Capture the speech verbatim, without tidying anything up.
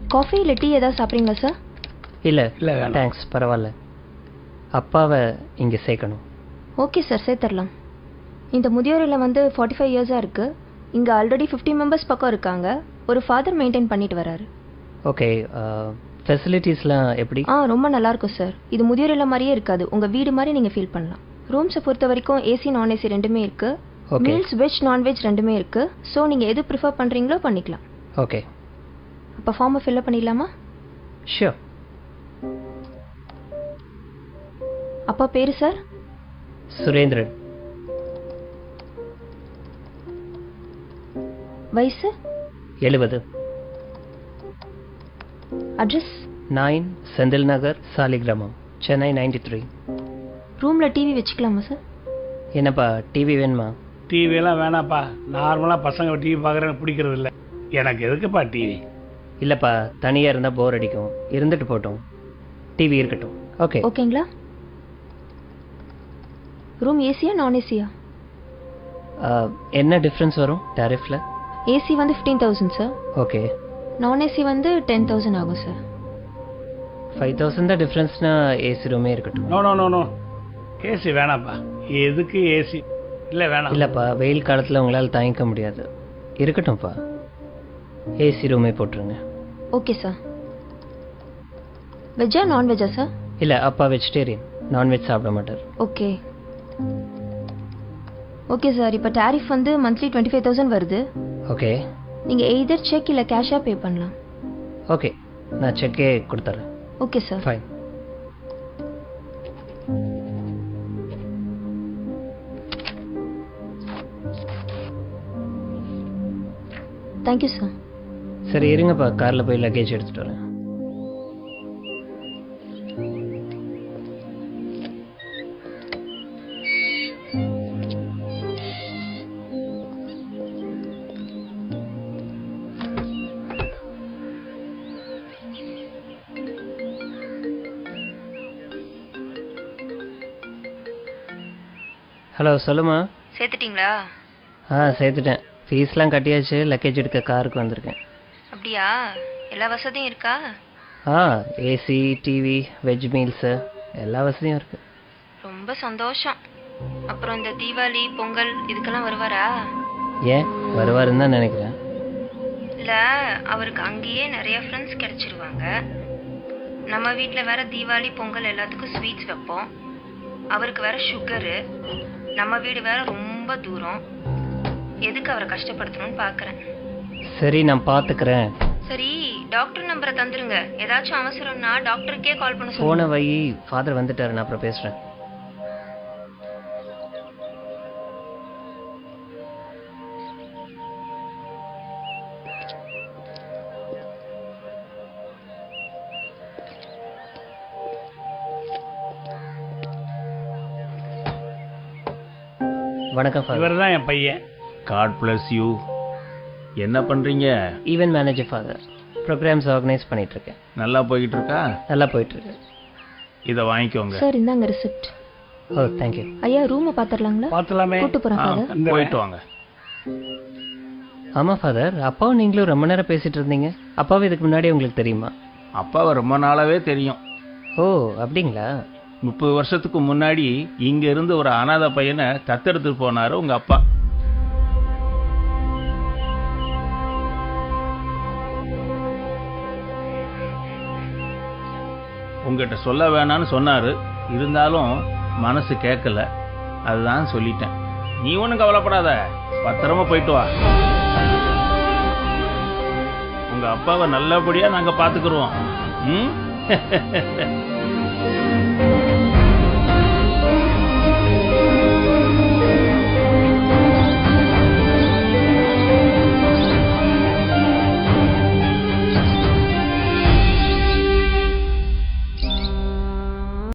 Coffee இல்லை tea ஏதாவது சாப்பிட்றீங்களா சார்? இல்லை இல்லை தேங்க்ஸ், பரவாயில்ல. அப்பாவை இங்கே சேர்க்கணும். ஓகே சார், சேர்த்துடலாம். இந்த முதியோர் இல்லம் வந்து ஃபார்ட்டி ஃபைவ் இயர்ஸாக இருக்குது. இங்கே ஆல்ரெடி ஃபிஃப்டி மெம்பர்ஸ் பக்கம் இருக்காங்க. ஒரு ஃபாதர் மெயின்டைன் பண்ணிட்டு வராரு. ஓகே, ஃபெசிலிட்டிஸ்லாம் எப்படி? ஆ ரொம்ப நல்லாயிருக்கும் சார். இது முதியோர் இல்லம் மாதிரியே இருக்காது, உங்கள் வீடு மாதிரி நீங்கள் ஃபீல் பண்ணலாம். ரூம்ஸை பொறுத்த வரைக்கும் ஏசி நான் ஏசி ரெண்டுமே இருக்குது. மீல்ஸ் வெஜ் நான்வெஜ் ரெண்டுமே இருக்குது. ஸோ நீங்கள் எது ப்ரிஃபர் பண்ணுறீங்களோ பண்ணிக்கலாம். ஓகே, அப்போ ஃபார்மை ஃபில்அப் பண்ணிடலாமா? ஷியோர். அப்பா பேர் சார்? சுரேந்திரன். வயசு? எழுபது. Address? Nine Senthil Nagar, Saligramam, Chennai ninety three. ரூமில் டிவி வச்சுக்கலாமா சார்? என்னப்பா டிவி வேணுமா? டிவியெல்லாம் வேணாப்பா. நார்மலாக பசங்க டிவி பார்க்குறேன்னு பிடிக்கிறது இல்லை. எனக்கு எதுக்குப்பா டிவி? இல்லைப்பா, தனியாக இருந்தால் போர் அடிக்கும். இருந்துட்டு போட்டோம், டிவி இருக்கட்டும். ஓகே ஓகேங்களா? ரூம் ஏசியா நான் ஏசியா? என்ன டிஃப்ரென்ஸ் வரும் டாரிஃபில்? ஏசி வந்து ஃபிஃப்டீன் தௌசண்ட் சார். ஓகே. நான் ஏசி வந்து டென் தௌசண்ட் ஆகும் சார். ஃபைவ் தௌசண்ட் தான் டிஃப்ரென்ஸ்னா ஏசி ரூமே இருக்கட்டும். No no no no AC வேணாப்பா. எதுக்கு ஏசி? இல்லை வேணாம். இல்லைப்பா, வெயில் காலத்தில் உங்களால் தாங்கிக்க முடியாது. இருக்கட்டும்ப்பா, ஏசி ரூமே போட்டுருங்க. Okay sir. வெஜ்ஜா நான்வெஜ்ஜா சார்? இல்லை, அப்பா வெஜிடேரியன், நான்வெஜ் சாப்பிட மாட்டார். Okay okay sir. இப்போ டாரிஃப் வந்து மந்த்லி டுவெண்ட்டி ஃபைவ் தௌசண்ட் வருது. ஓகே. நீங்கள் எய்தர் செக் இல்லை கேஷாக பே பண்ணலாம். ஓகே, நான் செக்கே கொடுத்துட்றேன். Okay sir. Fine. Thank you sir. சரி இருங்கப்பா, காரில் போய் லக்கேஜ் எடுத்துகிட்டு வரேன். ஹலோ, சொல்லுமா. சேர்த்துட்டிங்களா? ஆ சேர்த்துட்டேன். ஃபீஸ்லாம் கட்டியாச்சு. லக்கேஜ் எடுக்க காருக்கு வந்திருக்கேன். அப்படியா? எல்லா வசதியும் இருக்கா? ஆ, ஏசி, டிவி, வெஜ் மீல்ஸு எல்லா வசதியும் இருக்குது. ரொம்ப சந்தோஷம். அப்புறம் இந்த தீபாவளி பொங்கல் இதுக்கெல்லாம் வருவாரா? ஏன் வருவாருன்னு தான் நினைக்கிறேன். இல்லை, அவருக்கு அங்கேயே நிறைய ஃப்ரெண்ட்ஸ் கிடைச்சிருவாங்க. நம்ம வீட்டில் வேற தீபாவளி பொங்கல் எல்லாத்துக்கும் ஸ்வீட்ஸ் வைப்போம். அவருக்கு வேற சுகரு. நம்ம வீடு வேற ரொம்ப தூரம். எதுக்கு அவரை கஷ்டப்படுத்தணும்னு பார்க்குறேன். சரி, நான் பார்த்துக்கிறேன். சரி, டாக்டர் நம்பரை தந்துருங்க. ஏதாச்சும் அவசரம்னா டாக்டருக்கே கால் பண்ண சொல்லுங்க. போன வை, ஃபாதர் வந்துட்டாரு, நான் அப்புறம் பேசுகிறேன். வணக்கம் ஃபாதர். இவர் தான் என் பையன். God bless you. என்ன பண்ணுறீங்க? Event manager father. Programs organise பண்ணிகிட்ருக்கேன். நல்லா போய்கிட்டு இருக்கா? நல்லா போயிட்டுருக்கு. இதை வாங்கிக்கோங்க. சார், இந்தாங்க ரிசிப்ட். ஓ தேங்க்யூ. ஐயா, ரூமை பார்த்துடலாங்களா? பார்த்துலாமே. கூட்டு போகிறேன் ஃபாதர். போயிட்டு வாங்க. ஆமாம் ஃபாதர், அப்பாவும் நீங்களும் ரொம்ப நேரம் பேசிகிட்டு இருந்தீங்க. அப்பாவும் இதுக்கு முன்னாடி உங்களுக்கு தெரியுமா? அப்பாவை ரொம்ப நாளாவே தெரியும். ஓ அப்படிங்களா? முப்பது வருஷத்துக்கு முன்னாடி இங்க இருந்து ஒரு அனாதை பையனை தத்தெடுத்து போனாரு உங்க அப்பா. உங்ககிட்ட சொல்ல வேணான்னு சொன்னாரு. இருந்தாலும் மனசு கேட்கல, அதுதான் சொல்லிட்டேன். நீ ஒன்றும் கவலைப்படாத, பத்திரமா போயிட்டு வா. உங்க அப்பாவை நல்லபடியா நாங்க பாத்துக்கிறோம். ம்